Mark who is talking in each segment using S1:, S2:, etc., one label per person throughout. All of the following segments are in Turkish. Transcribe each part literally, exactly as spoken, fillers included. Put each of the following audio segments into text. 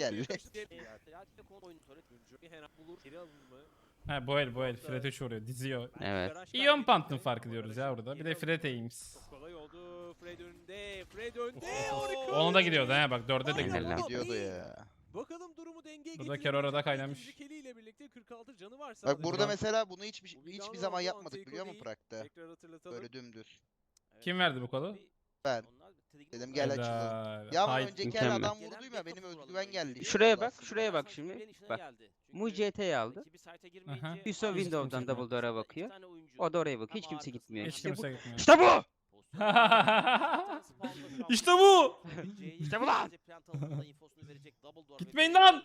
S1: geldi.
S2: Ha bu el bu el. Fred üç vuruyor. Diziyor.
S3: Evet.
S2: Ion Pant'ın farkı diyoruz ya burada. Bir de Fred Ames.
S4: Çok kolay oldu. Fred önünde. Fred önde. Harika.
S2: Ona da gidiyordu ha bak dörde de
S3: Aynen.
S2: gidiyordu.
S1: Gidiyordu ya.
S4: Bakalım durumu dengeye
S2: Burada
S4: getirebilecek
S2: Kerora'da
S4: mi?
S2: kaynamış.
S4: İkinci keliyle birlikte kırk altı canı var
S1: Bak
S4: sadece.
S1: burada mesela bunu hiçbir,
S4: Bu bir
S1: hiçbir
S4: down
S1: zaman
S4: oldu,
S1: yapmadık biliyor musun
S4: Anteko'yu
S1: Prag'da?
S4: Tekrar hatırlatalım.
S1: Böyle dümdüz.
S2: Kim verdi bu kolu?
S1: Ben. Dedim gel açalım.
S2: Helal.
S1: Ya ama
S2: Hayır.
S1: önceki el
S3: Mükemmel.
S1: adam vurdum ya benim özgüven geldi.
S3: Şuraya bak, şuraya bak şimdi. Bak. Mu C T'yi aldı.
S2: Aha.
S3: Hüso
S2: Hiç
S3: Windows'dan
S2: kimse
S3: double door'a bakıyor. O da oraya bakıyor. Hiç kimse gitmiyor.
S2: Hiç
S3: İşte bu.
S2: kimse gitmiyor.
S3: İşte bu!
S2: İşte bu!
S3: İşte bu lan!
S2: Gitmeyin lan!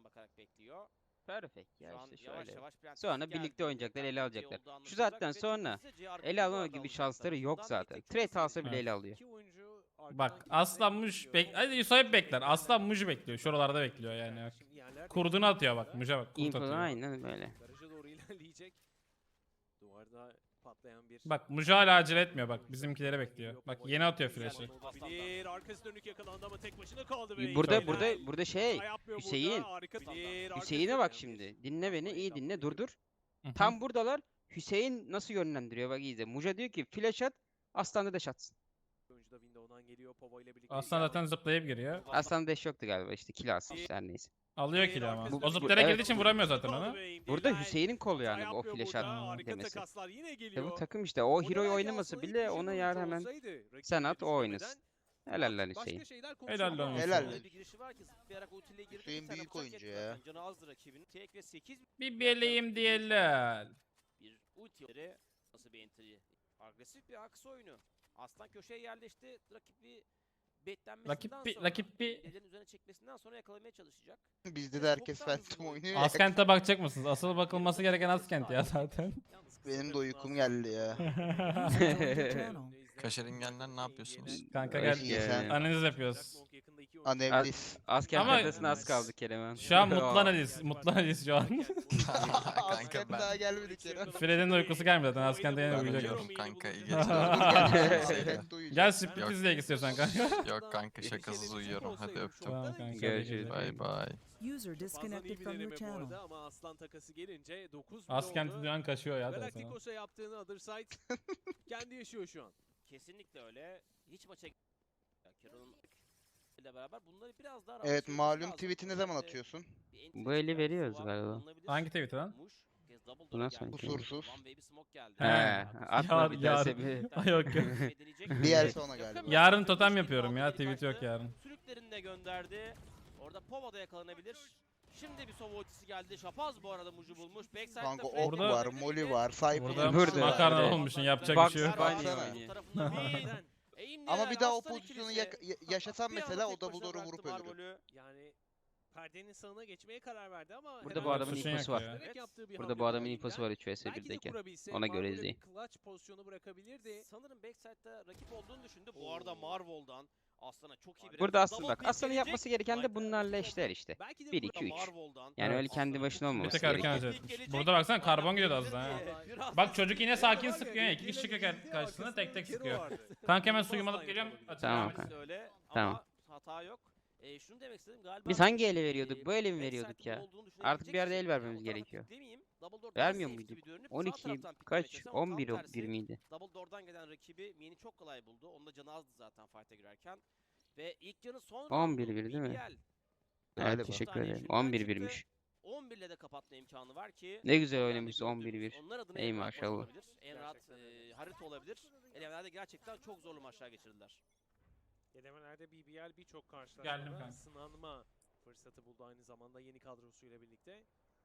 S3: Perfect ya işte şöyle. Sonra birlikte oynayacaklar, ele alacaklar. Şu zaten sonra ele alma gibi şansları yok zaten. Trade alsa bile
S2: Evet.
S3: ele alıyor.
S2: Bak Aslan Muj bek... Hadi Yusuf hep bekler. Aslan Muj bekliyor. Şuralarda bekliyor yani. Bak. Kurdunu atıyor bak. Muj'a bak. Kurt
S3: Info
S2: atıyor.
S3: aynen böyle.
S4: Garaja doğru ilerleyecek. Duvarda patlayan bir...
S2: Bak Muj hala acele etmiyor bak. Bizimkileri bekliyor. Bak yeni atıyor flash'ı.
S4: Olabilir. Arkası dönük yakalandı ama tek başına kaldı. ve
S3: Burada
S4: Heymen.
S3: burada burada şey.
S4: Hata yapmıyor burada.
S3: Hüseyin.
S4: Harika. Bilir, arkası
S3: Hüseyin'e bak
S4: dönüyor.
S3: şimdi. Dinle beni, iyi dinle. Dur dur.
S2: Hı hı.
S3: Tam buradalar. Hüseyin nasıl yönlendiriyor bak izle. Muja diyor ki flash at. Aslan da dash atsın.
S4: Oyuncu da window'dan geliyor. Pova ile birlikte.
S2: Aslan zaten zıplayıp giriyor.
S3: Aslan dash yoktu galiba işte kill alsın işte her neyse.
S2: Alıyor kill ama.
S3: Bu-
S2: O
S3: bu-
S2: zıplara
S3: evet.
S2: girdiği için vuramıyor zaten onu.
S3: Burada Hüseyin'in kolu yani
S4: Hata
S3: bu o
S4: yapmıyor
S3: flash
S4: burada.
S3: at
S4: Harika
S3: demesi.
S4: takaslar yine
S3: İşte
S4: geliyor.
S3: bu takım işte o
S4: Orada
S3: hero'yu
S4: belki
S3: oynamasa
S4: aslında
S3: bile
S4: ilk
S3: ona
S4: kişi
S3: yar
S4: oyuncu
S3: hemen
S4: olsaydı,
S3: sen
S4: rakibini
S3: at o oynasın.
S4: düşünmeden
S3: Helal lan
S4: başka
S3: Hüseyin.
S4: şeyler
S2: Helal lan
S4: konuşuyor.
S1: Helal.
S4: Ama-
S1: lan.
S5: Bir girişi var ki zıplayarak ultiyle girdi.
S1: Hüseyin
S5: bir tane
S1: büyük
S5: bıçak
S1: oyuncu
S5: yedi
S1: ya.
S5: zaten. Canı azdı rakibinin. Tek ve sekiz
S2: Bir beleyim diyelim.
S5: bir ulti. Nasıl bir entry? Agresif bir aks oyunu. Aslan köşeye yerleşti. Rakibi betlenmesinden
S2: Rakip bir-
S5: sonra.
S2: rakip bir-
S5: Ellerin üzerine çekmesinden sonra yakalamaya çalışacak.
S1: Bizde de herkes Phantom oynuyor ya.
S2: Askent'e bakacak mısınız? Asıl bakılması gereken Askent ya zaten.
S4: Yalnız kısa
S1: Benim de
S4: tarafına
S1: uykum
S4: Aslan-
S1: geldi ya.
S6: Kaşeringenler ne yapıyorsunuz?
S2: Kanka
S3: Hoş
S2: gel.
S3: geldin.
S2: Analiz yapıyoruz.
S1: Anevlis.
S3: Asker
S2: Ama-
S3: taklasına az kaldı Kerem'e.
S2: Şu an mutlu analiz. Mutlu analiz şu an.
S1: Askent
S6: ben-
S1: daha gelmedi Kerem.
S2: Fred'in de uykusu gelmedi zaten. Askent'e yine
S6: Ben
S2: uyuyacak.
S6: uyuyorum kanka iyi
S1: Dur,
S6: geceler.
S1: Askent uyuyacak.
S2: Gel split izleyek istiyorsan kanka.
S6: Yok kanka şakasız uyuyorum hadi öptüm.
S2: Tamam kanka.
S3: Görüşürüz.
S6: Bay bay.
S7: User disconnected from your channel.
S4: Ama Aslan takası gelince dokuz
S2: Askent duyan kaçıyor ya. da sana.
S4: Galacticos'a yaptığını Other Side kendi yaşıyor şu an.
S5: Kesinlikle öyle. Hiç maça Carol'ın ile beraber bunları biraz daha
S1: Evet
S5: rahat
S1: malum
S5: lazım.
S1: tweet'i ne zaman
S5: Özellikle
S1: atıyorsun?
S5: bir entry
S3: Bu eli
S5: strateji
S3: veriyoruz
S5: var,
S3: galiba.
S5: kullanılabilir.
S2: Hangi tweet lan?
S5: Muş, kez double
S3: Bu
S5: door'a
S3: nasıl
S5: geldi.
S1: Kusursuz.
S5: One baby smoke geldi.
S2: He,
S3: He, atma
S2: yar-
S3: bir
S2: yar-
S3: terse bir.
S2: Ay, yok, yok.
S1: Bir yer sonra galiba.
S2: Yarın totem yapıyorum ya. Tweet yok yarın.
S5: Sürüklerini de gönderdi. Orada Pova da yakalanabilir. Şimdi bir sova ultisi geldi. Şapaz bu arada Muj'u bulmuş. Backside'da
S1: Kanka
S5: Fred
S1: ok
S2: Orada-
S1: var, moli var, Cypher
S2: Burada
S3: Burada.
S2: makarna
S3: Evet.
S2: olmuşsun. Yapacak
S3: Bak-
S2: bir şey yok.
S3: Bak-
S1: Baksana.
S3: oynuyor.
S5: tarafında bir
S1: Ama bir daha o
S5: Aslan
S1: pozisyonu
S5: ikilisi.
S1: yak- ya- yaşasam
S5: Bir anda
S1: mesela
S5: tek
S1: o double
S5: başına
S1: door'u vurup
S5: bıraktı
S1: öldürür.
S5: Marvel'ü.
S4: Yani perdenin sağına geçmeye karar verdi ama
S3: Burada
S4: hemen
S3: bu adamın
S2: Suçun
S3: infosu
S2: yok
S3: var.
S2: ya.
S4: direkt yaptığı bir
S3: Burada
S4: hamle
S3: bu adamın
S4: var
S3: infosu
S4: elinden.
S3: var üç vs
S4: Belki de
S3: birdeyken.
S4: kurabilse
S3: Ona göre
S4: Marvel'e bir
S3: izleyin.
S4: clutch pozisyonu bırakabilirdi.
S5: Sanırım backside'da rakip olduğunu düşündü. Bu arada Marvel'dan Aslan'a çok iyi bir
S3: Burada
S5: referans.
S3: asıl
S5: Double
S3: bak
S5: pick
S3: Aslan'ın
S5: gelecek.
S3: yapması gereken de
S5: Light'ta
S3: bunlarla
S5: rakip
S3: eşler
S5: oldu.
S3: işte.
S5: Belki de
S3: bir,
S5: burada
S3: iki, üç.
S5: Marvel'dan
S3: Yani
S2: Evet.
S3: öyle kendi başına
S2: Bir
S3: olmaması
S2: tek erken
S3: gerekiyor.
S2: acele. Burada baksana karbon gidiyordu az daha. ha.
S5: Biraz
S2: Bak çocuk yine sakin sıkıyor ya. İki kişi çıkıyor kar- karşısına tek tek sıkıyor. Kanka hemen suyumu alıp geliyorum.
S3: Tamam
S2: Tamam.
S3: kanka.
S5: öyle
S3: Tamam.
S5: ama hata yok. E, şunu demek istedim galiba.
S3: Biz hangi ele
S5: e,
S3: veriyorduk? Bu ele mi
S5: backside'ın
S3: veriyorduk ya?
S5: olduğunu
S3: Artık bir yerde el
S5: düşünebilecek
S3: vermemiz
S5: kişi. O tarafa
S3: gerekiyor.
S5: piklemeyeyim. Double door daha
S3: Vermiyor
S5: safe
S3: muyduk?
S5: gibi görünüp sağ
S3: on iki
S5: taraftan piklemeye
S3: kaç?
S5: çalışıyor ama
S3: on
S5: tam
S3: bir o-
S5: tersi.
S3: bir miydi?
S5: Double door'dan gelen rakibi Mien'i çok kolay buldu. Onun da canı azdı zaten fight'a girerken. Ve ilk canı son
S3: on bir
S5: roundu
S3: bir değil mi?
S5: B B L.
S1: Galiba.
S3: Evet teşekkür
S5: tane
S3: ederim.
S5: yaşından
S3: on bir
S5: çıktı.
S3: birmiş.
S5: on bir ile de kapatma imkanı var ki.
S3: Ne güzel
S5: Oradan da
S3: oynamışız on bir bir.
S5: gördüğümüz onlar adına
S3: Ey
S5: en rahat maç
S3: maşallah.
S5: olabilir, En rahat e, harita olabilir. Elemelerde gerçekten çok zorlu maçlar geçirdiler.
S4: Elemelerde B B L birçok
S2: Geldim
S4: karşılaşmada
S2: kanka.
S4: sınanma fırsatı buldu aynı zamanda yeni kadrosuyla birlikte.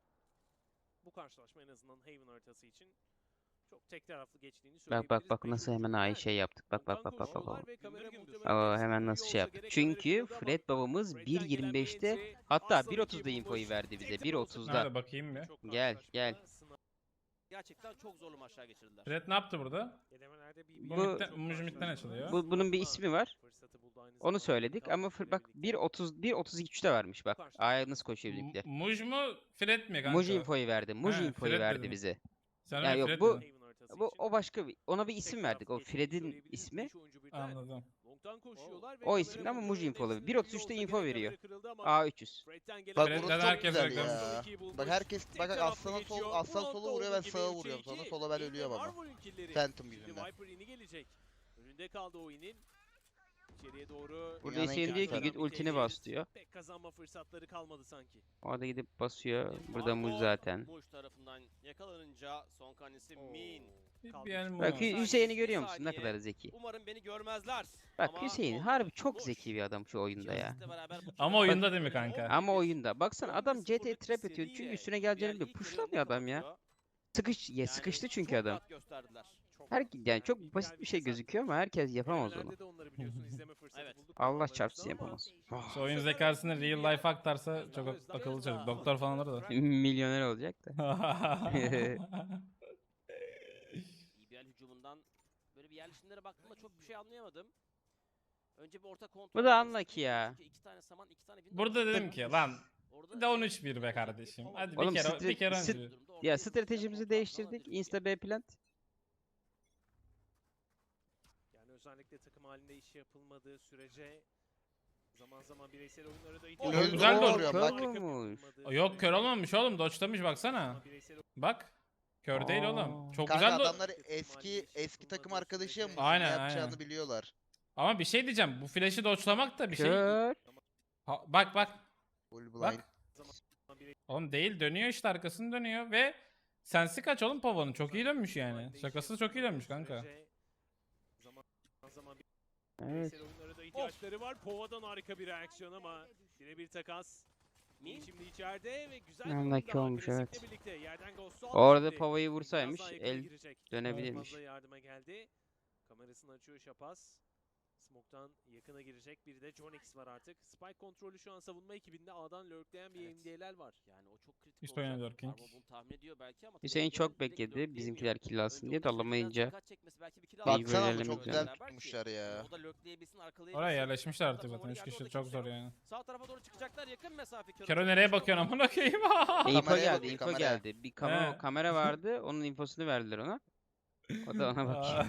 S4: Bu karşılaşma en azından Haven haritası için çok tek taraflı geçtiğini
S3: Bak
S4: söyleyebiliriz.
S3: bak bak
S4: Beş
S3: nasıl hemen
S4: oyuncudan
S3: ay şey yaptık. Bak bak
S4: ondan
S3: bak bak bak.
S4: koşuyorlar
S3: bak.
S4: ve kamera
S5: Gümbür gümbür.
S4: muhtemelen
S3: Aa,
S4: hepsi
S3: hemen
S4: biliyor
S3: nasıl
S4: olsa
S3: şey yaptık.
S4: gerek
S3: Çünkü
S4: haberi buldu ama
S3: Fred babamız
S4: Fred'den
S3: bir
S4: gelen
S3: yirmi beşte
S4: bir entry,
S3: hatta
S4: Aslan
S3: bir otuzda
S4: ikiyi
S3: infoyu
S4: bulmuş.
S3: verdi bize.
S4: Tek
S3: bir
S4: de olsa
S3: otuzda.
S2: Nerede bakayım bir.
S4: birçok
S3: Gel, gel.
S4: karşılaşmada sınav-
S5: Gerçekten çok zorlu maçlar geçirdiler.
S2: Fred ne yaptı burada?
S4: Elemelerde B B L
S2: Bu
S3: Bu-
S2: midden-
S4: birçok
S2: Muj midden
S4: karşılaşmada
S2: açılıyor.
S3: Bu, bunun bir ismi var.
S4: fırsatı buldu aynı
S3: Onu
S4: zamanda
S3: söyledik
S4: yeni
S3: ama fır-
S4: kadrosuyla
S3: bak
S4: birlikte.
S3: bir otuz bir otuz üçte varmış bak. A'ya nasıl koşuyor
S2: M-
S3: bizimkiler.
S2: Muj mu? Fred mi kanka?
S3: Muji infoyu verdi. Muji
S2: He,
S3: infoyu
S2: Fred
S3: verdi
S2: dedim.
S3: bize.
S2: Sen
S3: Ya
S2: öyle
S3: yok,
S2: Fred
S3: bu-
S2: dedin.
S4: Haven haritası
S3: Bu
S4: için
S3: o başka bir ona bir
S4: tek
S3: isim
S4: taraflı
S3: verdik. O
S4: geçtiğini
S3: Fred'in
S4: söyleyebiliriz.
S3: ismi.
S4: Beş oyuncu birden
S2: Anladım.
S4: long Long'dan koşuyorlar ve
S3: O isimli
S4: kamera
S3: ama Muj
S4: kontrolü
S3: infolu.
S4: hepsinin
S3: bir otuz üçte
S4: iyi
S3: info
S4: olsa
S3: veriyor.
S4: gerek, kırıldı ama
S3: A üç yüz.
S4: Fred'den gelen
S1: Bak
S2: Fred'den
S1: burası çok
S2: herkes
S1: güzel
S2: reklam
S1: ya.
S4: ikiyi bulmuş.
S1: Bak herkes
S4: Tek
S1: bak
S4: taraflı
S1: aslana sol
S4: geçiyor.
S1: aslan
S4: Bu
S1: sola
S4: nokta
S1: vuruyor ben
S4: olduğu gibi
S1: sağa
S4: üçe
S1: vuruyorum sonra
S4: iki.
S1: sola ben
S4: Yine
S1: ölüyorum ama.
S4: Marvel ülkeleri.
S1: Phantom
S4: Şimdi
S1: yüzünden.
S4: Viper ini gelecek. Önünde kaldı o inin. İçeriye doğru.
S3: Burada
S1: Dünyanın en
S3: Hüseyin diyor ki
S1: kötü
S3: git
S4: Yerden bir
S3: ultini
S4: tecrit.
S3: bas diyor.
S4: Pek kazanma fırsatları kalmadı sanki.
S3: Orada gidip basıyor. Burada
S5: Marvel,
S3: Muj zaten.
S5: Muj tarafından yakalanınca son kanisi Min.
S4: Kaldı.
S2: Bir el
S3: Bak
S2: mi?
S3: Hü- Hüseyin'i görüyor musun ne kadar zeki.
S5: Umarım beni görmezler.
S3: Bak
S5: Ama
S3: Hüseyin
S5: oldu.
S3: harbi çok
S5: Muj.
S3: zeki bir adam şu oyunda ya.
S5: Jurassic'le beraber bu
S2: Ama
S5: kez-
S2: oyunda değil mi kanka?
S3: Ama oyunda. Baksana adam
S5: on bir
S3: G T
S5: sıfırlık
S3: trap atıyor.
S5: seriyle
S3: Çünkü üstüne geleceğini biliyor.
S5: Real ilk
S3: Pushlamıyor
S5: yarı
S3: adam ya.
S5: kapatıyor.
S3: Sıkış, ya
S5: Yani
S3: sıkıştı çünkü
S5: çok
S3: adam.
S5: rahat gösterdiler. Çok
S3: Her
S5: rahat.
S3: yani çok
S4: Yani
S3: basit bir şey
S4: ideal bir
S3: gözüküyor ama herkes yapamaz onu.
S4: Denemelerde de onları biliyorsun izleme fırsatı
S5: Evet.
S4: bulduk.
S3: Allah
S4: Adamlarımızda
S3: çarpsın
S4: ama
S3: yapamaz.
S2: Şu oyun zekasını real life aktarsa çok ak- akıllı çocuk. Doktor falan olur da.
S3: Milyoner olacak da.
S5: B B L hücumundan böyle bir yerleşimlere baktığımda çok bir şey anlayamadım. Önce bir orta kontrol.
S3: Bu da
S5: yapması
S3: unlucky
S5: gerekiyor
S3: ya.
S5: çünkü iki tane saman, iki tane Windows
S2: Burada dedim
S5: olmuş.
S2: ki lan
S5: Orada
S2: bir de on üç bir be kardeşim. Hadi
S3: Oğlum
S2: bir kere
S3: stre-
S2: bir kere
S3: sit-
S2: önce.
S3: Ya stratejimizi değiştirdik. Insta B plant.
S4: Yani özellikle takım halinde iş yapılmadığı sürece zaman zaman bireysel oyunlara da
S5: Oğlum,
S4: ihtiyaç
S2: güzel
S4: var.
S2: de
S1: oluyor,
S4: Harika
S1: bak.
S4: bir
S3: Olmuş.
S4: yapılmadığı
S2: Yok kör
S4: sürece
S2: olmamış oğlum. Dodge'lamış baksana.
S4: ama bireysel
S2: Bak. Kör değil oğlum.
S3: Aa.
S2: Çok
S1: Kanka
S2: güzel de...
S1: adamlar eski eski takım arkadaşı ya Muz'un
S2: Aynen,
S1: ne yapacağını
S2: aynen.
S1: biliyorlar.
S2: Ama bir şey diyeceğim. Bu flash'i dodge'lamak da bir şey...
S3: Kör.
S2: Ha, bak bak.
S1: Full blind.
S2: Bak. Oğlum değil dönüyor işte arkasını dönüyor ve sensi kaç oğlum Pavo'nun çok iyi dönmüş yani. Şakası çok iyi dönmüş kanka.
S4: Zaman zaman
S3: Evet.
S4: bireysel oyunlara da ihtiyaçları var. Pova'dan harika bir reaksiyon ama birebir takas.
S5: Min.
S4: Şimdi içeride ve güzel
S3: Unlucky
S4: bir oyun daha
S3: olmuş,
S4: klasikle
S3: evet.
S4: birlikte. Yerden Ghost'u
S3: Orada
S4: aldı.
S3: Pava'yı
S4: Biraz
S3: vursaymış
S4: daha yakına
S3: el
S4: girecek.
S3: dönebilirmiş.
S4: Fazla yardıma geldi. Kamerasını açıyor Şapaz. Smoke'tan yakına girecek. Bir de John X var artık. Spike kontrolü şu an savunma ekibinde A'dan lurkleyen bir
S5: Evet.
S4: N D L'ler var.
S5: Yani o çok kritik
S2: İşte oynadı
S5: olacak.
S2: Lurking.
S5: Arma bunu tahmin ediyor belki ama
S3: Hüseyin
S5: tabii
S3: çok
S5: direkt
S3: bekledi.
S5: lurkleyemiyor.
S3: Bizimkiler kill alsın
S5: Önce
S3: diye de
S5: onun üzerinden
S3: alamayınca.
S5: dikkat çekmesi, belki bir kill
S3: İyi
S5: alması
S1: Baksana
S3: böyle
S1: ama çok
S3: elemekler.
S1: güzel tutmuşlar ya.
S5: O da lurkleyebilsin,
S2: Oraya
S5: arkalayabilsin.
S2: yerleşmişler artık
S5: Zaten
S2: zaten. Üç
S5: geldi,
S2: kişi
S5: orada
S2: çok
S5: kimse
S2: zor
S5: yok.
S2: yani.
S5: Sağ tarafa doğru çıkacaklar, yakın mesafe.
S2: Kero nereye bakıyorsun amına koyayım?
S3: info
S1: Kameraya
S3: geldi,
S1: bakıyor,
S3: info
S1: kameraya.
S3: geldi. Bir kamera,
S2: He.
S3: kamera vardı. Onun infosunu verdiler ona. O da ona bakıyor.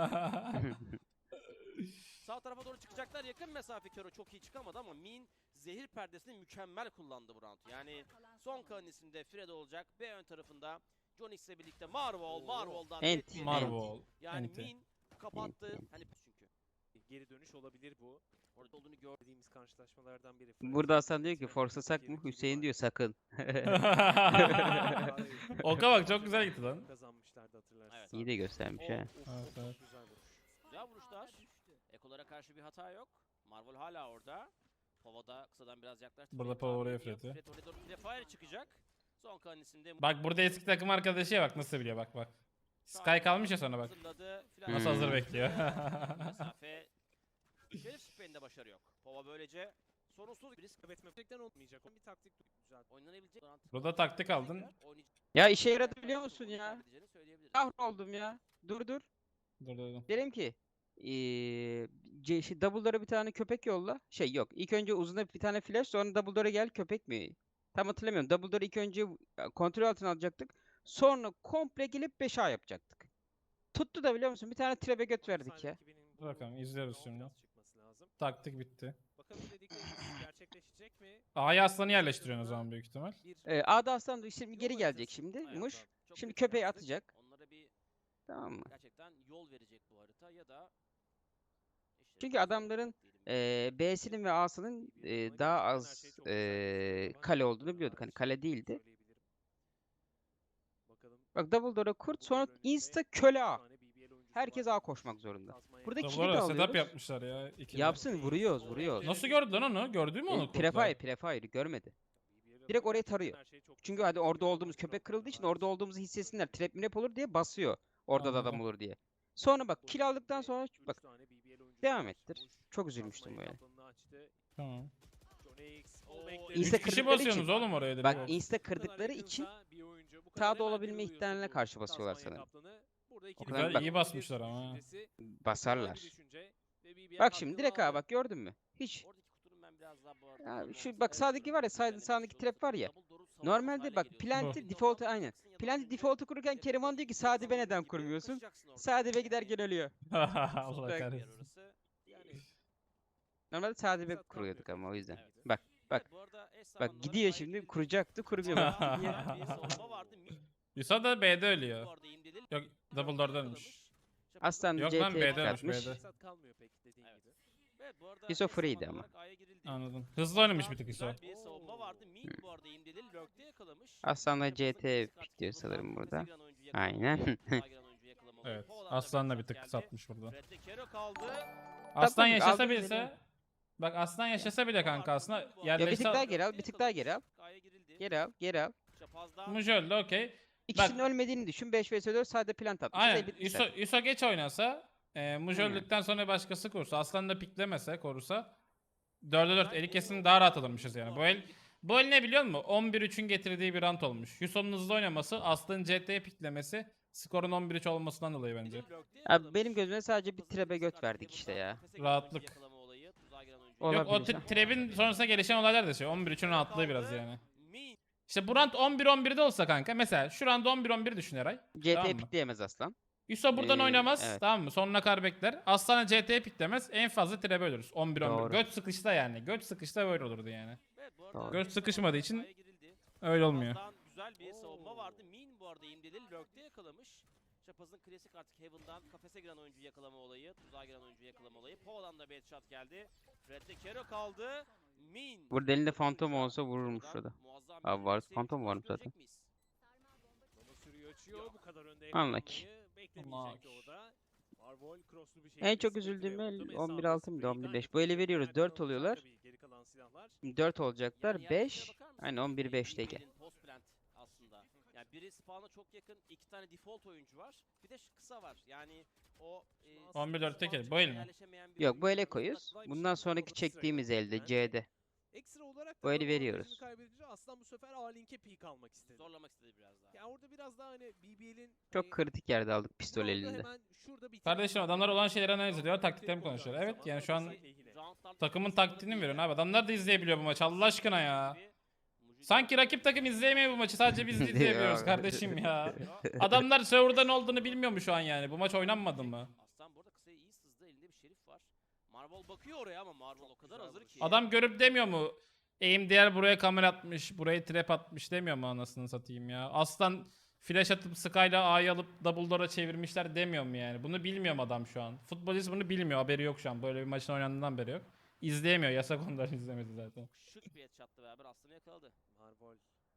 S5: Sağ tarafa doğru çıkacaklar, yakın mesafe. Kero çok iyi çıkamadı ama Min zehir perdesini mükemmel kullandı bu round. Yani son kalan isimde Fred olacak. B ön tarafında John X'le birlikte Marvel, Marvel'dan
S3: Ent,
S5: net bir-
S2: Marvel.
S5: Yani
S2: Enti.
S5: Min kapattı.
S3: Enti, enti.
S5: Hani çünkü
S4: Geri dönüş olabilir bu.
S5: orada olduğunu gördüm.
S4: Dediğimiz karşılaşmalardan biri.
S3: Burada Hasan diyor ki forsasak mı? Hüseyin diyor sakın.
S2: Oka bak çok güzel gitti lan.
S4: Kazanmışlardı hatırlarsın.
S5: Evet.
S3: İyi de göstermiş ha.
S2: Evet, evet.
S4: Güzel vuruş.
S5: Güzel vuruşlar. Ekolara karşı bir hata yok. Marvel hala orada. Pova'da kısadan biraz yaklaştı.
S2: Burada
S5: Fred
S2: Pova
S5: tahmin
S2: oraya
S5: ediyor.
S2: Fred'i.
S5: Fred oraya doğru prefire çıkacak. Son kalan isimde
S2: Bak burada eski takım arkadaşı ya bak nasıl biliyor bak bak. Sky kalmış ya sonra bak.
S5: Hazırladı.
S2: Nasıl hazır
S3: Hmm.
S2: bekliyor.
S5: Mesafe. Şerif Spray'inde başarı yok. Pova böylece sorunsuz bir risk
S4: Kaybetmekten olmayacak. Bir taktik güzel.
S5: oynanabilecek.
S2: Burada taktik aldın.
S5: Oynayacak-
S3: Ya işe yaradı biliyor musun ya?
S5: Kaybedeceğini söyleyebiliriz.
S3: Kahroldum ya. Dur dur.
S2: Dur dur dur.
S3: Derim ki eee C- şey, Dumbledore'a bir tane köpek yolla. Şey yok. İlk önce uzuna bir tane flash sonra Dumbledore'a gel köpek mi? Tam hatırlamıyorum. Dumbledore'u ilk önce e, kontrol altına alacaktık. Sonra komple gelip beş A yapacaktık. Tuttu da biliyor musun? Bir tane trebe göt verdik ya.
S2: Dur bakalım, izliyoruz şimdi.
S4: Biraz çıkması lazım.
S2: Taktik bitti.
S4: Bakalım dedikleri gerçekleşecek mi?
S2: A'ya aslanı yerleştiriyorsun o zaman büyük ihtimal.
S4: Bir
S3: Ee, A'da Aslan da şimdi
S4: yol
S3: geri gelecek
S4: haritası.
S3: şimdi.
S5: Evet,
S3: Muş.
S5: çok
S3: Şimdi
S5: büyük
S3: köpeği
S5: şanssızlık.
S3: atacak.
S5: Onlara bir
S3: Tamam mı?
S5: gerçekten yol verecek bu harita ya da işleri
S3: Çünkü
S5: biraz
S3: adamların,
S5: zorlayacak diyelim.
S3: Ee, B'sinin ve A'sının ee, daha az ee, kale olduğunu biliyorduk. Hani kale değildi. Bak Dumbledore'a kurt sonra insta köle A. Herkes A koşmak zorunda. Burada
S2: Tabii
S3: kili de
S2: orada setup
S3: alıyoruz.
S2: yapmışlar ya. ikili.
S3: Yapsın vuruyoruz vuruyoruz.
S2: Nasıl gördü lan onu? Gördü mü onu
S3: E,
S2: kurtlar?
S3: Prefire Prefire görmedi. Direkt orayı tarıyor. Çünkü hadi orada olduğumuz köpek kırıldığı için orada olduğumuzu hissetsinler. Trap minap olur diye basıyor. Orada da adam
S2: Anladım.
S3: olur diye. Sonra bak kill aldıktan sonra bak devam ettir. Çok üzülmüştüm böyle.
S2: Tamam.
S3: İnsta
S2: Üç kişi
S3: kırdıkları
S2: basıyorsunuz
S3: için-
S2: oğlum oraya direkt.
S3: Bak insta kırdıkları için sağda olabilme ihtimaline karşı basıyorlar sanırım. O kadar
S2: Güzel,
S3: bak-
S2: iyi basmışlar ama.
S3: Basarlar. Bak şimdi direkt A bak gördün mü? Hiç.
S5: Oradaki kutunun ben biraz daha bu arada
S3: Ya
S5: kullanılması
S3: şu bak sağdaki var ya sağ,
S5: denemek
S3: sağdaki
S5: istiyorum.
S3: trap var ya.
S5: Dumbledore'u savunmaz
S3: Normalde
S5: hale
S3: bak
S5: geliyorsun.
S3: Plant'i
S2: Bu.
S3: default'u aynı.
S5: Yapamazsın,
S3: Plant'i
S5: yapamazsın.
S3: default'u kururken Keriman diyor ki Sadi be neden
S5: Savunduğun gibi
S3: kurmuyorsun?
S5: kaçacaksın orada.
S3: Sadi be gider gel ölüyor.
S2: Allah
S3: Bak-
S2: kahretsin.
S5: Orası. Yani
S3: Normalde sade bir
S4: Fırsat
S3: kuruyorduk
S4: kalmıyor
S3: ama o yüzden.
S4: peki.
S3: Bak bak
S5: Evet, bu arada eş
S3: bak
S5: zamanlı
S3: gidiyor
S5: olarak
S3: şimdi
S5: Aygül
S3: kuracaktı kurmuyor bak.
S5: Daha
S3: gidiyor.
S5: bir savunma vardı. Mid
S2: Yusuf da B'de ölüyor.
S5: bu arada imdelil.
S2: Yok double door'da ölmüş.
S3: Aslan
S2: Yok
S3: C
S2: lan,
S3: T'ye
S2: B'de ölmüş,
S3: atmış.
S2: B'de.
S4: Fırsat kalmıyor pek dediğin
S5: Evet.
S4: gibi.
S5: Evet, bu arada
S3: Yusuf
S5: eş
S3: free'ydi
S5: zamanlı
S3: ama.
S5: olarak A'ya girildi.
S2: Anladım. Hızlı oynamış bir tık
S5: Güzel
S2: Yusuf.
S5: bir savunma vardı. Mid bu arada imdelil lurk'te yakalamış.
S3: Aslanla C
S5: Çaprazın
S3: T
S5: klasik artık
S3: pikliyor
S5: Heaven'dan
S3: sanırım
S5: kafese
S3: burada.
S5: giren oyuncu yakalama
S3: Aynen.
S5: olayı, tuzağa giren oyuncu yakalama olayı.
S2: Evet.
S5: Poland'da
S2: Aslan'la bir
S5: headshot
S2: tık
S5: geldi.
S2: satmış burada.
S5: Fred'de Kero kaldı.
S2: Aslan
S3: tabii,
S2: yaşasa
S3: aldım
S2: bilse.
S3: geliyor.
S2: Bak Aslan yaşasa bile kanka aslında
S3: Ya bir tık
S2: yerleşse
S3: daha geri al, bir tık daha geri al.
S5: A'ya girildi.
S3: Geri al, geri al.
S5: Çapaz'da
S2: Muj öldü okey.
S3: İkisinin ölmediğini düşün. beş vs dört sade plant atmış.
S2: Aynen.
S3: Aynen.
S2: Yuso, Yuso geç oynasa, e, Muj
S3: Aynen.
S2: öldükten sonra başkası korursa, Aslan da piklemese, korusa dörde dört eli kesin daha rahat alınmışız yani. Bu el bu el ne biliyor musun? on bir üçün getirdiği bir rant olmuş. Yuso'nun hızlı oynaması, Aslan'ın C T'ye piklemesi, skorun on bir üç olmasından dolayı bence.
S3: Abi benim gözüme sadece bir trebe göt verdik işte ya.
S2: Rahatlık.
S3: Olabilir.
S2: Yok o
S3: ha.
S2: t- Treb'in sonrasında gelişen olaylar da şey. on bir üçün rahatlığı biraz yani. İşte bu rant on bir on birde olsa kanka. Mesela şu rant on bir on bir düşün Eray.
S3: C T'ye
S2: Tamam mı?
S3: pikleyemez aslan.
S2: Yuso buradan
S3: Ee,
S2: oynamaz.
S3: evet.
S2: Tamam mı? Sonuna kadar bekler. Aslan'a C T'ye piklemez. En fazla Treb'e ölürüz. on bir on bir.
S3: Doğru.
S2: Göt sıkışta yani. Göt sıkışta böyle olurdu yani.
S3: Doğru.
S2: Göz sıkışmadığı için Öyle olmuyor.
S5: Çapaz'dan güzel bir savunma vardı. Min bu arada imdelil lurk'te yakalamış. Çapaz'ın klasik artık Heaven'dan kafese giren oyuncu yakalama olayı, tuzağa giren oyuncu yakalama olayı. Poland'da bir headshot geldi. Fred'de Kero kaldı. Min.
S3: Burada elinde Phantom olsa vururmuş
S5: Buradan
S3: şurada.
S5: muazzam bir
S3: Abi var,
S5: agresif
S3: Phantom var
S5: maç
S3: zaten.
S5: görecek miyiz?
S4: Ama sürüyor açıyor. Bu kadar önde
S3: Unlucky.
S4: yakalanmayı beklemeyecekti o da. Marvol crosslu bir şekilde
S3: En çok
S4: sprint
S3: üzüldüğüm
S4: ve
S3: el
S4: vurdu.
S3: on bir
S4: Mesafe
S3: altı mıydı,
S4: spreyden
S3: on bir beş. Bu eli veriyoruz,
S4: Nereden
S3: dört
S4: alacak
S3: oluyorlar.
S4: tabii geri kalan silahlar.
S3: dört olacaklar.
S5: Yani
S3: beş.
S5: yerlere bakar mısın?
S3: Aynen on bir beşteyken.
S5: İmdelil'in post plant aslında. Yani biri spawn'a çok yakın, iki tane default oyuncu var. Bir de şu kısa var. Yani o e,
S2: on bir dörtte
S5: spawn
S2: kel, bu el mi?
S5: yerleşemeyen bir
S3: Yok bu
S5: oyuncu
S3: ele
S5: var.
S3: koyuyoruz. Bundan sonraki çektiğimiz elde C'de.
S4: Ekstra olarak
S3: Bu
S4: da
S3: eli
S4: avantajını
S3: veriyoruz.
S4: kaybedince Aslan bu sefer A-Link'e peek almak istedi.
S5: Zorlamak istedi biraz daha.
S4: Ya orada biraz daha hani B B L'in
S3: Çok kritik yerde aldık pistol elinde.
S2: Kardeşim adamlar olan şeyleri analiz ediyor, taktiklerini konuşuyor. Evet yani şu an takımın taktiğini mi veriyorsun abi? Adamlar da izleyebiliyor bu maçı Allah aşkına ya. Sanki rakip takım izleyemiyor bu maçı, sadece biz izleyebiliyoruz
S3: Ya.
S2: kardeşim ya. Adamlar serverda ne olduğunu bilmiyor mu şu an yani? Bu maç oynanmadı mı?
S5: Aslan bu arada kısaya iyi sızdı. Elinde bir şerif var. Marvel bakıyor oraya ama Marvel o kadar hazır ki.
S2: Adam görüp demiyor mu? Aim diğer buraya kamera atmış, buraya trap atmış demiyor mu anasını satayım ya? Aslan flash atıp Sky'la A'yı alıp double door'a çevirmişler demiyor mu yani? Bunu bilmiyor mu adam şu an? Futbolist bunu bilmiyor, haberi yok şu an. Böyle bir maçın oynandığından beri yok. İzleyemiyor, yasak ondan izlemedi zaten.
S5: Şık bir headshot'la beraber Aslan'ı yakaladı.
S4: Marvol.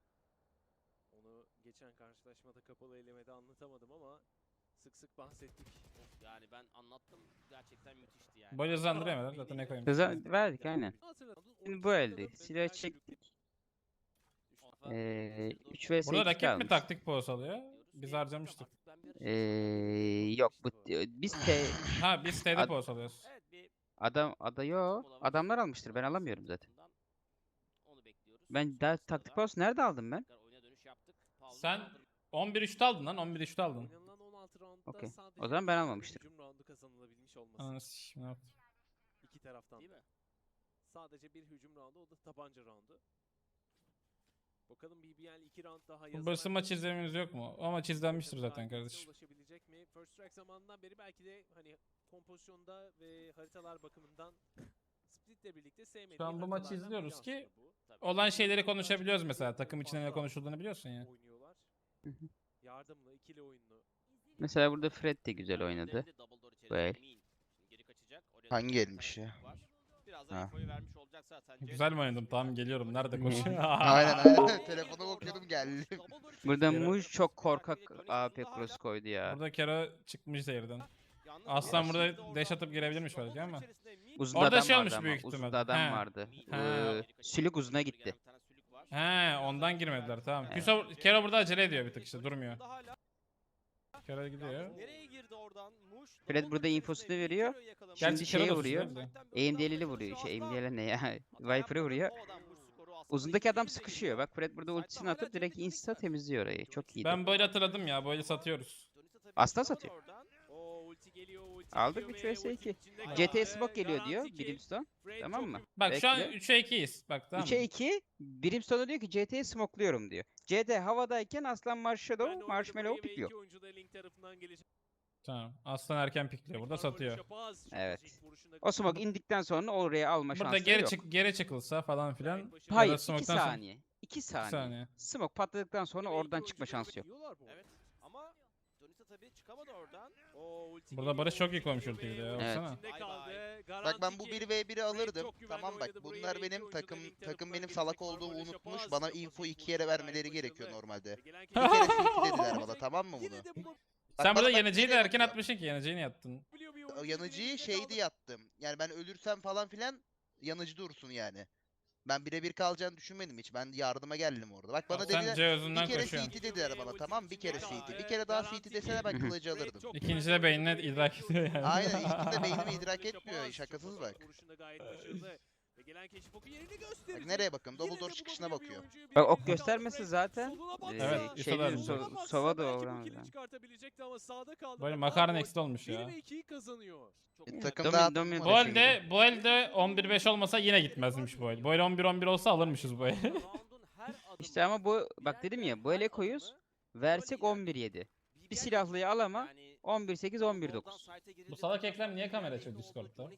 S4: Onu geçen karşılaşmada kapalı elemede anlatamadım ama sık sık bahsettik.
S5: Of, yani ben anlattım, gerçekten müthişti yani.
S2: Böyle hızlandıramadılar zaten ne koyayım.
S3: Hıza verdik aynen.
S4: Hatırladım.
S3: Şimdi bu elde. Silah çektik. Ee, üç vs
S2: Burada
S3: iki
S2: rakip mi
S3: kalmış.
S2: taktik pos alıyor? Biz harcamıştık.
S3: Ee, yok bu biz T
S2: Ha biz T'de
S3: Ad-
S2: pos alıyoruz.
S5: Evet, bir
S3: adam ada yo adamlar almıştır, ben alamıyorum zaten.
S5: onu bekliyoruz.
S3: Ben daha taktik post nerede aldım ben?
S5: Tekrar oyuna dönüş yaptık. Paul'un
S2: Sen
S5: aldığı
S2: on bir üçte aldın lan, on bir üçte aldın.
S4: Oynanılan on altı roundda
S3: Okey.
S4: sadece
S3: O zaman ben
S4: bir
S3: almamıştım.
S4: hücum roundu kazanılabilmiş olması.
S2: Ananı sikeyim, ne yaptım?
S4: İki taraftan.
S5: değil mi?
S4: Sadece bir hücum roundu, o da tabanca roundu. Bakalım B B L iki round daha
S2: Bu
S4: yazarak-
S2: Bursa maç izlememiz yok mu? O maç izlenmiştir zaten
S4: Target'e
S2: kardeşim.
S4: Ulaşabilecek mi? First Strike zamanından beri belki de hani kompozisyonda ve haritalar bakımından Split'le birlikte sevmediği
S2: Şu an bu maçı
S4: haritalardan
S2: izliyoruz
S4: biri
S2: ki
S4: aslında bu.
S5: Tabii.
S2: olan şeyleri konuşabiliyoruz mesela. Takım içinde ne konuşulduğunu biliyorsun ya.
S4: Oynuyorlar.
S3: Hı hı.
S4: Yardımlı, ikili oyunlu.
S3: Mesela burada Fred de güzel oynadı.
S5: Double door içerisinde
S3: Bu el.
S5: Min. Şimdi geri kaçacak. Oraya
S1: Hangi
S5: doğru bir
S1: elmiş
S5: tane
S1: ya?
S5: çocuk var. Birazdan
S1: Ha.
S5: infoyu vermiş olacak zaten.
S2: Güzel mi oynadım? Tamam geliyorum. Nerede koşuyor?
S1: Aynen aynen. Telefona bakıyordum geldim.
S3: Burada
S2: Yere-
S3: Muj çok korkak A P cross koydu ya.
S2: Burada Kero çıkmış zehirden.
S5: Yalnız
S2: Aslan
S5: bu
S2: burada
S5: arada
S2: dash
S5: oradan
S2: atıp girebilirmiş
S5: double
S2: belki
S5: door
S2: ama.
S5: içerisinde Min-
S3: Uzun
S2: Orada
S3: adam
S2: şey
S3: vardı
S2: olmuş
S3: ama.
S2: büyük
S3: Uzun
S2: ihtimal.
S3: adam
S2: He.
S3: vardı.
S2: Ha.
S3: Ee, sülük uzuna gitti.
S5: Bir tane sülük var.
S2: He ondan girmediler tamam.
S3: Evet.
S2: Küso, Kero burada acele ediyor bir tık işte durmuyor.
S5: Hala-
S2: Kero gidiyor.
S5: Nereye girdi oradan? Muş.
S3: Fred
S5: double door
S3: burada
S5: içerisinde
S3: infosunu
S5: bir
S3: veriyor.
S5: Kero'yu yakalamış.
S3: Şimdi
S2: Gerçi Kero
S3: şeye
S2: da
S3: vuruyor.
S2: suçluyor da.
S3: Aim deliğiyle vuruyor. Şey aim deliğiyle ne ya?
S5: Hata
S3: Viper'ı
S5: yapmadı.
S3: vuruyor.
S5: O adam Muş skoru aslında
S3: Uzundaki adam
S5: iki yüz
S3: sıkışıyor.
S5: geliyor.
S3: Bak Fred burada ultisini atıp direkt insta temizliyor orayı. Çok iyiydi.
S2: Ben böyle hatırladım ya. Böyle satıyoruz.
S5: Dönüşte tabii
S3: Aslan
S5: double
S3: satıyor.
S5: oradan.
S4: O ulti geliyor, ulti
S3: Aldık
S4: geliyor
S3: üç
S4: ve
S3: vs
S4: ulti
S3: iki.
S4: içinde
S3: C T
S4: kaldı.
S3: smoke geliyor diyor
S4: Garanti ki
S3: Brimstone.
S4: Fred
S3: Tamam
S4: çok
S3: mı?
S2: Bak şu an
S3: Bekle.
S2: üçe ikiyiz. Bak tamam
S3: üçe
S2: mı?
S3: iki. Brimstone'a diyor ki C T'yi smokluyorum diyor. C D havadayken Aslan
S4: Ben
S3: Marshadow,
S4: oynadım
S3: Marshmallow
S4: burayı ve
S3: pikliyor.
S4: iki oyuncu da Link tarafından gelecek.
S2: Tamam. Aslan erken pikliyor. Burada satıyor.
S3: Evet. O smoke indikten sonra oraya alma
S2: Burada
S3: şansları
S2: geri
S3: yok.
S2: çık geri çıkılsa falan filan. ya da
S3: Hayır, iki
S2: smoke'tan sonra-
S3: saniye. iki saniye.
S2: saniye.
S3: Smoke patladıktan sonra oradan çıkma şansı yok.
S5: Evet. Ama Jonisa tabii çıkamadı oradan.
S2: Burada Barış çok iyi koymuş ultiyi bir de ya.
S3: Evet.
S2: Baksana.
S1: Bak ben bu bir ve biri alırdım. Tamam bak bunlar benim takım takım benim salak olduğumu unutmuş. Bana info iki yere vermeleri gerekiyor normalde. Bir kere C T dediler bana, tamam mı bunu? Bak
S2: Sen
S1: bana
S2: burada
S1: bak
S2: yanıcıyı da
S1: nereye
S2: erken
S1: bakıyor.
S2: atmışsın ki yanıcıyı niye attın?
S1: O yanıcıyı şeydi yattım. Yani ben ölürsem falan filan yanıcı dursun yani. Ben birebir kalacağını düşünmedim hiç. Ben yardıma geldim orada. Bak bana
S2: Abi sen
S1: dediler
S2: C özünden
S1: bir kere
S2: koşuyorsun.
S1: C T dediler bana, tamam bir kere C T. Bir kere daha C T deseler ben kılıcı alırdım.
S2: İkinci de beynine idrak ediyor yani.
S1: Aynen, ilkinde beynimi idrak etmiyor. Şakasız bak. Bak nereye bakıyorum? Double door çıkışına bakıyor.
S3: Bak ok göstermesi zaten.
S2: Evet,
S3: Ee,
S2: İso
S3: şeyde
S2: da
S3: so Sova da uğramaz.
S2: Böyle makarna eksi olmuş ya.
S1: E, takım
S3: Domin-
S1: dağıtım
S3: Domin-
S1: var.
S2: Bu elde, bu elde on bir beş olmasa yine gitmezmiş bu el. Bu el on bir on bir olsa alırmışız bu el.
S3: İşte ama bu bak dedim ya bu ele koyuz. Versek on bir yedi. Bir silahlıyı al ama on bir sekiz on bir dokuz.
S2: Bu salak Ekrem niye kamera açıyor Discord'da?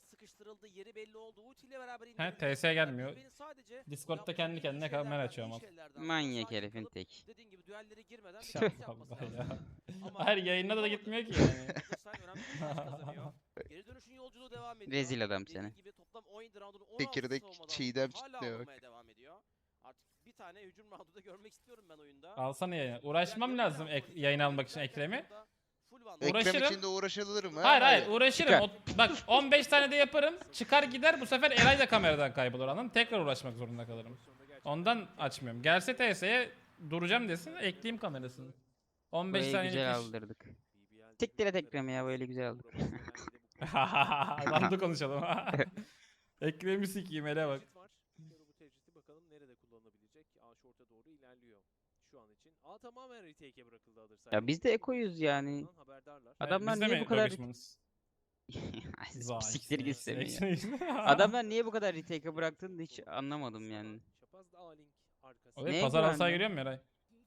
S2: He,
S5: He
S2: T S gelmiyor. Discord'da kendi kendine kamera açıyor ama.
S3: Manyak herifin tek.
S5: Dediğin gibi düellere girmeden
S2: Ya
S5: bir yapması
S2: Allah
S5: lazım.
S2: ya.
S5: Ama
S2: Hayır yayında da gitmiyor ki yani.
S5: Galatasaray önemli bir maç kazanıyor. Geri dönüşün yolculuğu devam ediyor.
S3: Rezil adam
S5: Dediğin
S3: seni.
S5: gibi toplam on yedi roundun on
S1: Çekirdek
S5: altısı savunmadan
S1: çiğdem
S5: hala
S1: çitliyor bak.
S5: alınmaya devam ediyor. Artık bir tane hücum roundu da görmek istiyorum ben oyunda.
S2: Alsana yayını. Uğraşmam lazım ek- yayın almak için Ekrem'i.
S5: Full one.
S1: Ekrem
S2: Uğraşırım.
S1: için de uğraşılır mı?
S2: Hayır hayır uğraşırım.
S3: Çıkar.
S2: O- bak on beş tane de yaparım. Çıkar gider bu sefer Eray da kameradan kaybolur anladın. Tekrar uğraşmak zorunda kalırım. Ondan açmıyorum. Gelse T S'ye duracağım desin ekleyeyim kamerasını. on beş
S3: Burayı
S2: saniyelik
S3: güzel
S2: iş.
S3: aldırdık. Tekrar Ekrem ya böyle güzel aldık.
S2: Randu konuşalım. Ekrem'i sikeyim hele bak.
S4: Bu tecridi bakalım nerede kullanılabilecek. A short'a doğru ilerliyor şu an için. A tamamen retake'e bırakıldı alır.
S3: Ya biz de ekoyuz yani.
S4: Haberdarlar.
S3: Adamlar
S2: Biz de
S3: niye
S2: mi
S3: bu kadar
S2: dövüşmanız?
S3: Ay, siktir git
S2: Zayıf,
S3: istemiyor.
S2: zayıf.
S3: Adamlar niye bu kadar retake'e bıraktığını da hiç anlamadım yani.
S4: Şapaz da A-Link arkası.
S2: Oraya
S3: Neye
S2: pazar alsaya
S3: güvendi?
S2: giriyor mu Eray?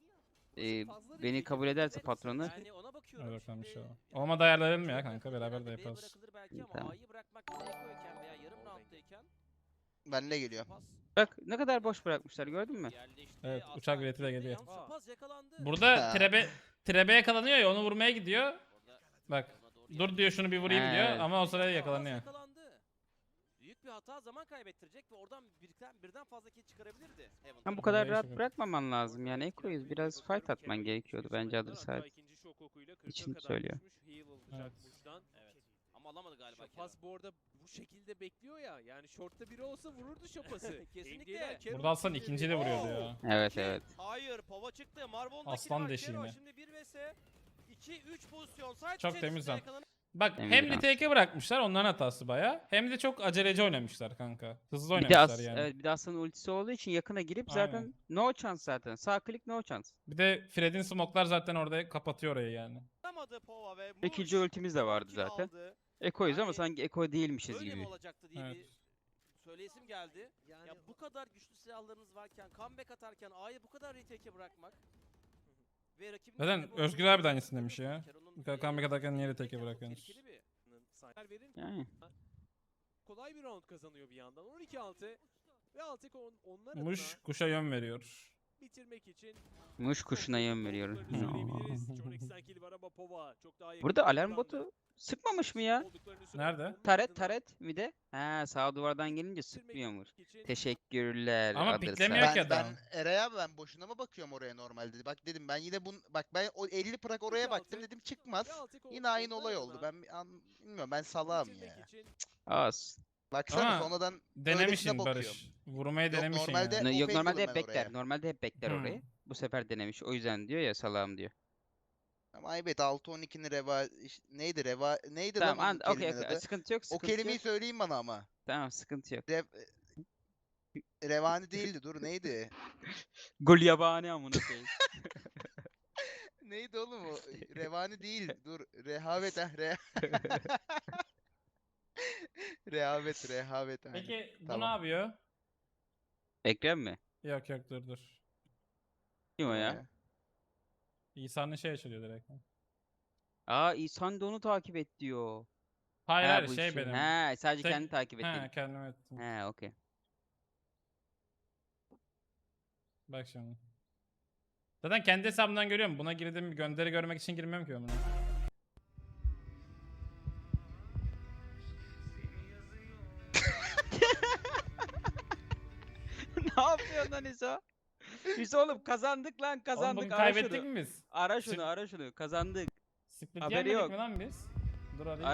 S3: Ee, beni kabul ederse patronu
S5: Yani ona bakıyorum.
S2: Hadi bakalım
S5: Şimdi,
S2: inşallah.
S5: ya,
S2: Olmadı ayarlayalım ya
S5: B'ye
S2: kanka,
S5: bırakılır,
S2: beraber de
S5: B'ye
S2: yaparız.
S5: bırakılır belki ama
S3: Tamam.
S5: A'yı bırakmak gerekiyorken veya yarım rounddayken
S1: Benle geliyor.
S5: Şapaz
S3: bak ne kadar boş bırakmışlar gördün mü?
S5: yerleşti.
S2: Evet,
S5: Aslan
S2: uçak bileti de
S5: girdi.
S2: geliyor.
S5: Yalnız Şapaz yakalandı.
S2: Burada trebe trebe yakalanıyor ya onu vurmaya gidiyor.
S5: Orada
S2: Bak
S5: ona doğru
S2: dur
S5: yerleşti.
S2: diyor şunu bir vurayım
S3: Evet.
S2: diyor ama o sırada
S5: Şapaz
S2: yakalanıyor.
S5: yakalandı. Büyük bir hata zaman kaybettirecek ve oradan birden, birden fazla kill çıkarabilirdi. Heaven
S3: Hem bu
S5: tarafı.
S3: kadar
S2: Vallahi
S3: rahat
S2: şaka.
S3: bırakmaman lazım yani Eko'yuz biraz fight atman gerekiyordu bence adı sahip. için söylüyor.
S2: Evet.
S5: Evet. Ama alamadı galiba.
S4: Şapaz bu arada bu şekilde bekliyor ya. Yani short'ta biri olsa vururdu Şapaz'ı.
S5: Kesinlikle.
S4: M D'ler Carol
S2: Burada alsan
S4: için
S2: ikinciyi de vuruyordu ya.
S3: Evet
S5: İki.
S3: evet.
S5: Hayır, Pova çıktı. Marvel'da
S2: Aslan
S5: var.
S2: deşi
S5: Kero
S2: yine.
S5: Şimdi bir vs iki üç pozisyon. Side
S2: Çok
S5: içerisinde
S2: temiz lan.
S5: yakalanan-
S2: Bak
S3: Emin
S2: hem
S3: Duran.
S2: retake'e bırakmışlar onların hatası baya. Hem de çok aceleci oynamışlar kanka. Hızlı
S3: Bir de
S2: oynamışlar
S3: as
S2: yani.
S3: evet bir de Aslan'ın ultisi olduğu için yakına girip
S2: Aynen.
S3: zaten no chance zaten. Sağ klik no chance.
S2: Bir de Fred'in smoklar zaten orada kapatıyor orayı yani.
S5: Alamadı Pova ve
S3: İkinci
S5: Muş
S3: ultimiz de vardı
S5: kill
S3: zaten.
S5: aldı.
S3: Eko'yuz ama
S5: Yani
S3: sanki Eko değilmişiz
S5: Böyle mi
S3: gibi.
S5: olacaktı diye
S2: Evet.
S5: bir söyleyesim geldi. Ya bu kadar güçlü silahlarınız varken, comeback atarken A'yı bu kadar retake'e bırakmak ve rakibin
S2: Zaten
S5: elinde bu
S2: Özgür
S5: oyuncu
S2: abi de aynısını
S5: olması
S2: demiş ya.
S5: Kero'nun,
S2: Bu kadar
S5: e,
S2: comeback atarken niye
S5: rakibindeyken
S2: retake'e
S5: çok
S2: bırakıyorsunuz?
S5: tehlikeli bir-
S4: Sayılar verin.
S3: Yani.
S4: Kolay bir round kazanıyor bir yandan. on iki altı ve Altek on, onlar
S2: Muş
S4: adına
S2: kuşa yön veriyor.
S4: bitirmek için
S3: Muş kuşuna yön veriyorum.
S4: söyleyebiliriz. John X'ten kill var ama Pova çok daha yakın
S3: Burada
S4: bir
S3: alarm
S4: oranda.
S3: botu sıkmamış mı ya?
S4: Olduklarını söyledi.
S2: Nerede?
S4: Onun
S3: Taret
S4: ardından
S3: taret mi de? Ha sağ duvardan gelince
S4: bitirmek
S3: sıkmıyormuş.
S4: için
S3: Teşekkürler.
S2: Ama
S3: adı
S2: piklemiyor
S3: sahip.
S2: ki
S1: Ben,
S2: adam.
S1: ben Eray abi ben boşuna mı bakıyorum oraya normalde? Bak dedim ben yine bun bak ben o elli prak oraya
S4: altı
S1: baktım dedim çıkmaz.
S4: ve Altek on-
S1: Yine aynı
S4: onlar
S1: olay oldu.
S4: adına
S1: Ben bir an, bilmiyorum ben salağım
S4: bitirmek
S1: ya.
S4: için
S3: Az.
S1: Baksana
S2: Ama
S1: sonradan
S2: Denemişsin
S1: bakıyorum.
S2: Barış. Vurmayı
S1: Yok,
S2: denemişsin
S1: normalde-
S2: yani.
S3: No- yok
S1: OP
S3: normalde
S1: diyordum
S3: hep
S1: ben
S3: bekler.
S1: oraya.
S3: Normalde hep bekler
S2: Hmm.
S3: orayı. Bu sefer denemiş. O yüzden diyor ya salam diyor.
S1: ama evet altı on ikinin reva iş- neydi reva neydi
S3: Tamam
S1: lan
S3: an
S1: onun
S3: okey
S1: kelimenin
S3: okey.
S1: adı?
S3: Sıkıntı yok
S1: O
S3: sıkıntı
S1: kelimeyi
S3: yok.
S1: söyleyin bana ama.
S3: Tamam sıkıntı yok.
S1: Rev, revani değildi dur neydi?
S3: Gol yabani amına koyayım.
S1: Neydi oğlum o? Revani değil. Dur. Rehavet ha. Re rehavet, rehavet. aynen.
S2: Peki bu ne
S1: Tamam.
S2: yapıyor?
S3: Ekrem mi?
S2: Yok yok dur dur.
S3: Kim o
S1: Ee,
S3: ya?
S2: İsa'nın şey açılıyor direkt.
S3: Aa İhsan da onu takip et diyor.
S2: Hayır
S3: Ha,
S2: hayır
S3: bu
S2: şey
S3: işi.
S2: benim.
S3: He sadece
S2: Tek-
S3: kendini takip et
S2: He
S3: dedi.
S2: kendim ettim.
S3: He okey.
S2: Bak şimdi. Zaten kendi hesabımdan görüyorum. Buna girdim gönderi görmek için girmiyorum ki ben buna.
S3: Ne yapıyorsun lan İso? İso oğlum kazandık lan
S2: Oğlum
S3: kazandık.
S2: bunu
S3: Ara
S2: kaybettik
S3: şunu.
S2: mi biz?
S3: Ara şunu
S2: Şimdi-
S3: ara şunu kazandık.
S2: Split
S3: Haberi
S2: yemedik
S3: yok.
S2: mi lan biz? Dur arayayım.